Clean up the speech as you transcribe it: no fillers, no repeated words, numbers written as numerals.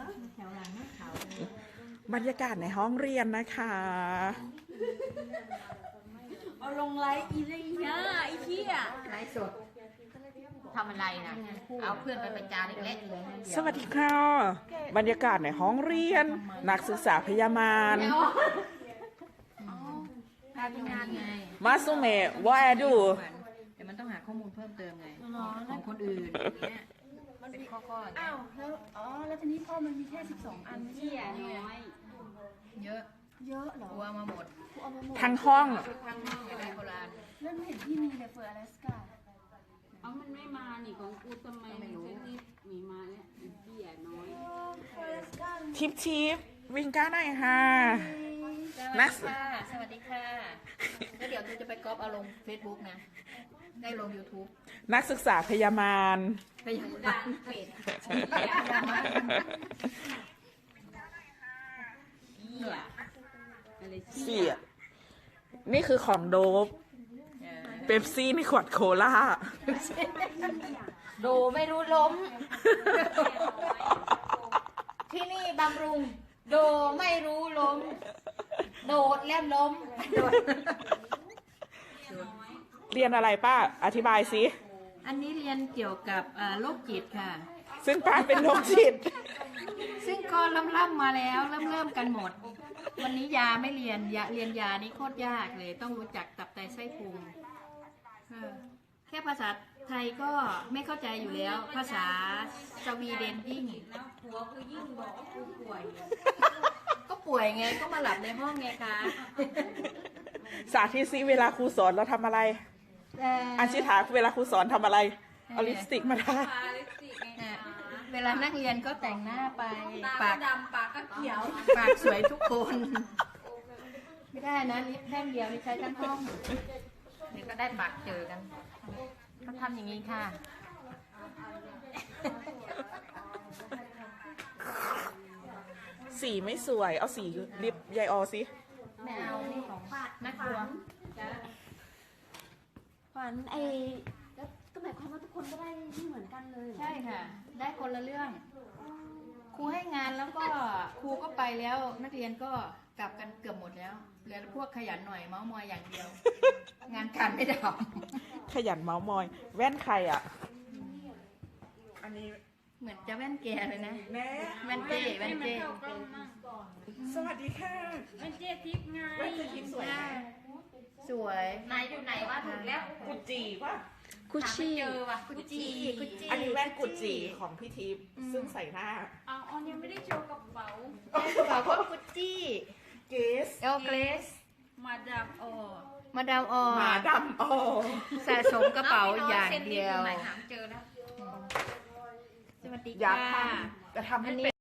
แถวหลังไม่ขาวเลยบรรยากาศในห้องเรียนนะคะเอาลงไลฟ์อีเลยนะไอ้เหี้ยไลฟ์สดทำอะไรนะเอาเพื่อนไปประจานอีกแล้วสวัสดีค่ะ บรรยากาศในห้องเรียน นักศึกษาพยาบาลพาทำงานไงมาสุเมะว่าแอดูแต่มันต้องหาข้อมูลเพิ่มเติมไงของคนอื่นอย่างเงี้ยมันเป็นข้ออย่างเงี้ยอ้าวแล้วแล้วทีนี้พ่อมันมีแค่12 อันไม่ใช่น้อยเยอะเยอะเหรอตัวมาหมดกูเอามาหมดทั้งห้องทั้งห้องอะไรโบราณแล้วไม่เห็นที่มีเลยเฟอร์อลาสกาเอามันไม่มานี่ของกูทำไมมันชนิดมีมาเนี่ยอีเบี้ยน้อยเฟอร์อลาสกาทิปวิ่งก้าหน่อยค่ะสวัสดีค่ะแล้วเดี๋ยวจะไปก๊อปเอาลง Facebook นะ ได้ลง YouTube นักศึกษาพยาบาลไปยังดังเป็ดเบี้ยอะไรเสียนี่คือของโดบเป๊ปซี่ในขวดโคลาโดไม่รู้ล้ม ที่นี่บำรุง โดไม่รู้ล้ม โดดแล้วล้มเรียนอะไรป้า อธิบายสิอันนี้เรียนเกี่ยวกับโรคจิตค่ะซึ่งป้าเป็นโรคจิตซึ่งก็ล่ำมาแล้วเริ่มกันหมด วันนี้ยาไม่เรียนเรียนยานี่โคตรยากเลย ต้องรู้จักตับไตไส้พุงแค่ภาษาไทยก็ไม่เข้าใจอยู่แล้ว ภาษาสวีเดนยิ่งแล้วผัวกูยิ่งบอกว่ากูป่วยก็ป่วยไงก็มาหลับในห้องไงคะสาธิตซิเวลาครูสอนเราทำอะไร อันชิถาเวลาครูสอนทำอะไร เอาลิปสติกมาทาปาลิปสติกไงเนี่ยเวลานักเรียนก็แต่งหน้าไปตาปากดำปากก็เขียวปากสวยทุกคน ไม่ได้นะลิปแท่งเดียวนี่ใช้ทั้งห้องเดี๋ยวก็ได้ปากเจอกันเขาทำอย่างนี้ค่ะสีไม่สวย เอาสีลิปยายออสิไม่เอานี่ของนักครัวขวัญไอ้แล้วก็หมายความว่าทุกคนก็ได้ไม่เหมือนกันเลยเหรอใช่ค่ะ ได้คนละเรื่อง ครูให้งานแล้วก็ครูก็ไปแล้ว นักเรียนก็กลับกันเกือบหมดแล้วเหลือพวกขยันหน่อยเมาส์มอยอย่างเดียว งานการไม่ได้ทขยันเมาส์มอย แว่นใครอ่ะ อันนี้ำเหมือนจะแว่นแกเลยนะแม่แว่นเจ้แว่นเจ้สวัสดีค่ะมันเจ๊ทิพย์ไงแว่นจะทิพย์สวยไหมสวยนายอยู่ไหนวะถูกแล้วกุจีป่ะกุชชี่เจอว่ะกุชชี่กุชชี่อันนี้แว่นกุจีของพี่ทิพย์ซึ่งใส่หน้าเอาออนยังไม่ได้โชว์กระเป๋ากระเป๋าก็กุชชี่เกสเอลเกรสมาดามออมาดามออหมาดำอ๋อสะสมกระเป๋าอย่างเดียวไหนหามเจอแล้วสวัสดีอยากค่ะทำแต่ทำให้เป็น